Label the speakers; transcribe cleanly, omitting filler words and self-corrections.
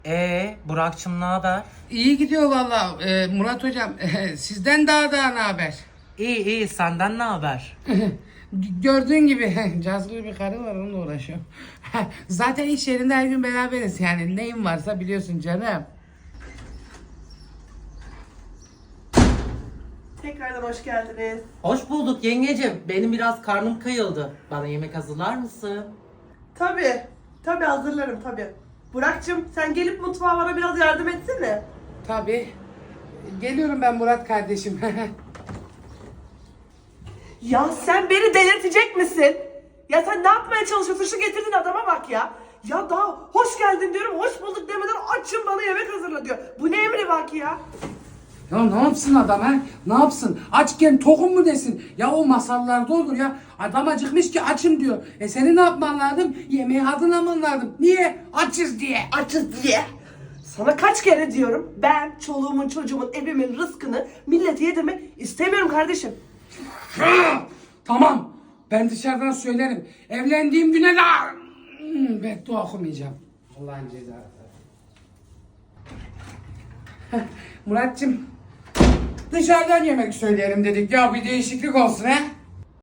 Speaker 1: Burak'cığım ne haber?
Speaker 2: İyi gidiyor valla Murat hocam. Sizden daha ne haber?
Speaker 1: İyi senden ne haber?
Speaker 2: Gördüğün gibi cazgır bir karı var, onunla uğraşıyorum. Zaten iş yerinde her gün beraberiz, yani neyim varsa biliyorsun canım.
Speaker 3: Tekrardan hoş geldiniz.
Speaker 1: Hoş bulduk yengecim. Benim biraz karnım kayıldı. Bana yemek hazırlar mısın?
Speaker 3: Tabii hazırlarım tabii. Burak'cığım sen gelip mutfağa bana biraz yardım etsene.
Speaker 2: Tabii. Geliyorum ben Murat kardeşim.
Speaker 3: Ya sen beni delirtecek misin? Ya sen ne yapmaya çalışıyorsun? Şu getirdiğin adama bak ya. Ya daha hoş geldin diyorum, hoş bulduk demeden açım bana yemek hazırla diyor. Bu ne emri bak ya?
Speaker 2: Ya ne yapsın adam ha? Ne yapsın? Açken tokum mu desin? Ya o masallarda olur ya. Adam acıkmış ki açım diyor. Senin ne yapman lazım? Yemeği hazırlaman lazım. Niye? Açız diye.
Speaker 3: Açız diye. Sana kaç kere diyorum, ben çoluğumun çocuğumun evimin rızkını millete yedirmek istemiyorum kardeşim.
Speaker 2: Tamam. Ben dışarıdan söylerim. Evlendiğim güne de beddua okumayacağım. Allah'ın cezası. Muratcığım, dışarıdan yemek söyleyelim dedik ya, bir değişiklik olsun he.